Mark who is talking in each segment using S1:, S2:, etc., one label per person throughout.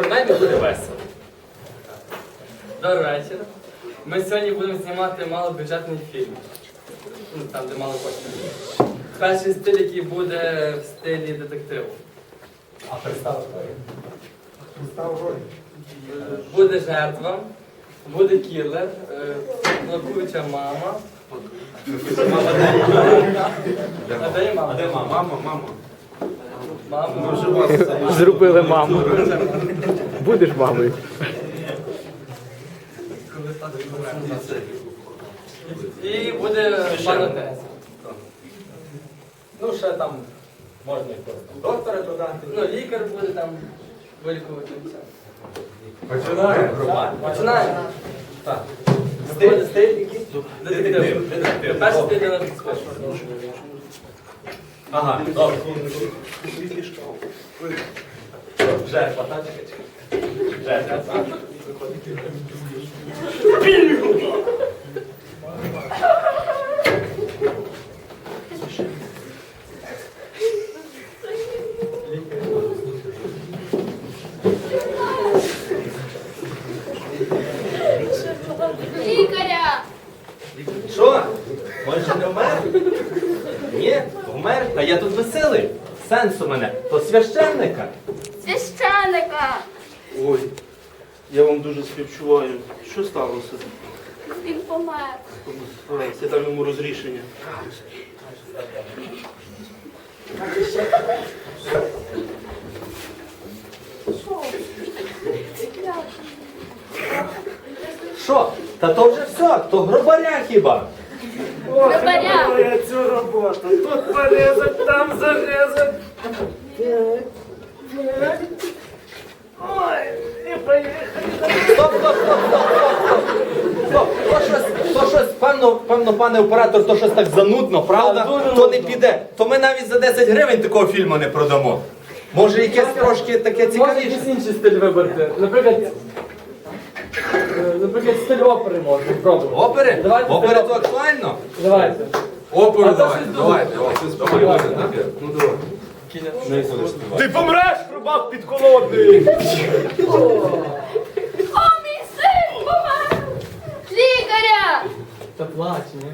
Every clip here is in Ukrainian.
S1: принаймні буде весело. Добрий вечір. Ми сьогодні будемо знімати малобюджетний фільм. Там, де мало коштів. Перший стиль, який буде в стилі детективу.
S2: А представ роль. Представ роль.
S1: Буде жертва, буде кілер, плакуча мама. А де мама?
S2: А де мама? Мама.
S1: Мама.
S3: Зробили маму. Будеш мамою.
S1: І буде пан отець.
S2: Ну, ще там можна якось доктора додати.
S1: Ну, лікар буде там вилікувати все.
S2: Починаємо.
S1: Починаємо.
S2: Так.
S1: Стиль який? Детектив. Перший стиль для нас скотч.
S2: Ага, добре. Жертва, так? Жертва, так?
S4: Лікаря!
S2: Що? Може не вмер? Ні, вмер. Та я тут веселий. Сенс у мене. То священника.
S4: Священика!
S5: Ой, я вам дуже співчуваю. Що сталося?
S4: Він помер.
S5: Я дам йому розрішення.
S2: Що? Та то вже все, то гробаря хіба?
S4: Гробаря!
S5: Я цю роботу. Тут порізать, там зарізать. Ой, і поїхали.
S2: Стоп. То щось, певно, пане оператор, то щось так занудно, правда? То не піде. То ми навіть за 10 гривень такого фільму не продамо. Може якесь трошки таке
S1: Можна
S2: цікавіше?
S1: якийсь інший стиль вибрати. Наприклад, стиль опери можна пробувати.
S2: Опери?
S1: Давайте
S2: Опери
S1: стиль
S2: то актуально?
S1: Давайте.
S2: Оперу
S1: А то щось
S2: давайте. Ну давай.
S5: Ти помреш, рубак підколодний.
S4: О, мій син помер! Лікаря!
S1: Та плач, ні?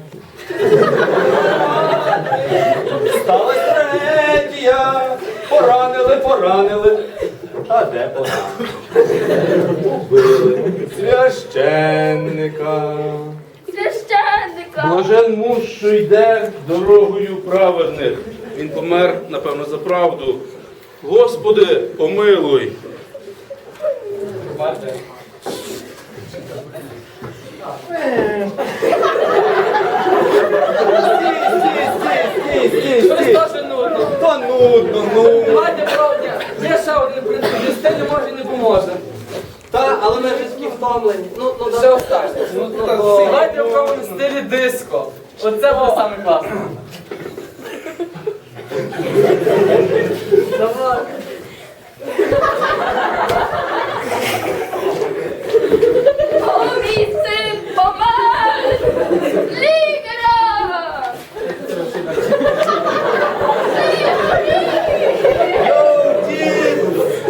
S2: Сталась трагедія, поранили. А де поранили? Убили священника.
S4: Священника!
S5: Блажен муж, що йде дорогою праведних. Він помер, напевно, за правду. Господи, помилуй.
S1: Бачите? Щось
S2: Стій.
S1: теж нудно.
S2: То нудно, ну.
S1: Давайте правда. Є ще один принцип. Без стилю може і не поможе.
S2: Та, але ми вже такі втомлені.
S1: Ще останнє. Давайте попробуємо в стилі диско. Оце буде саме класно. Давай.
S4: О, мій син помер! Лікаря!
S2: Йоу, дід!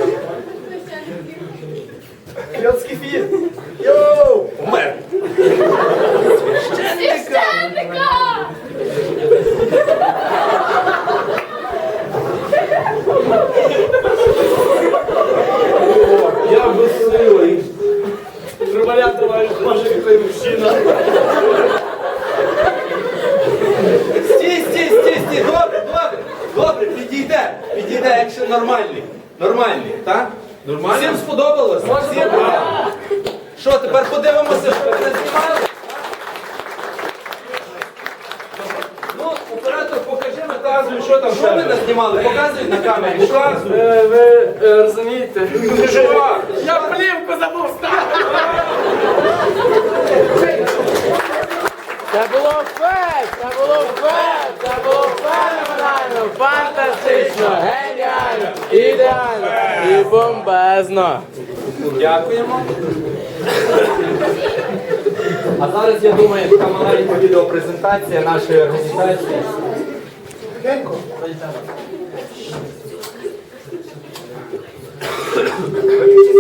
S2: Кльоцький фільм. Йоу! Умер.
S4: Священника!
S5: Я безсилий.
S1: Трубаля тримаєш.
S5: Може, який мужчина.
S2: Стій. Добре, підійде, якщо нормальний, так?
S5: Нормально?
S2: Всім сподобалось? Всім? Що, тепер подивимося, що ви знімали? Ну, оператор, покажи метазу, що там, що ви назнімали? Показують на камері, що?
S1: Ви розумієте?
S2: Ти що?
S1: Я плівку забув ставити!
S3: Це було феноменально, фантастично, геніально, ідеально і бомбезно.
S2: Дякуємо. А зараз, я думаю, така маленька відеопрезентація нашої організації. Виключи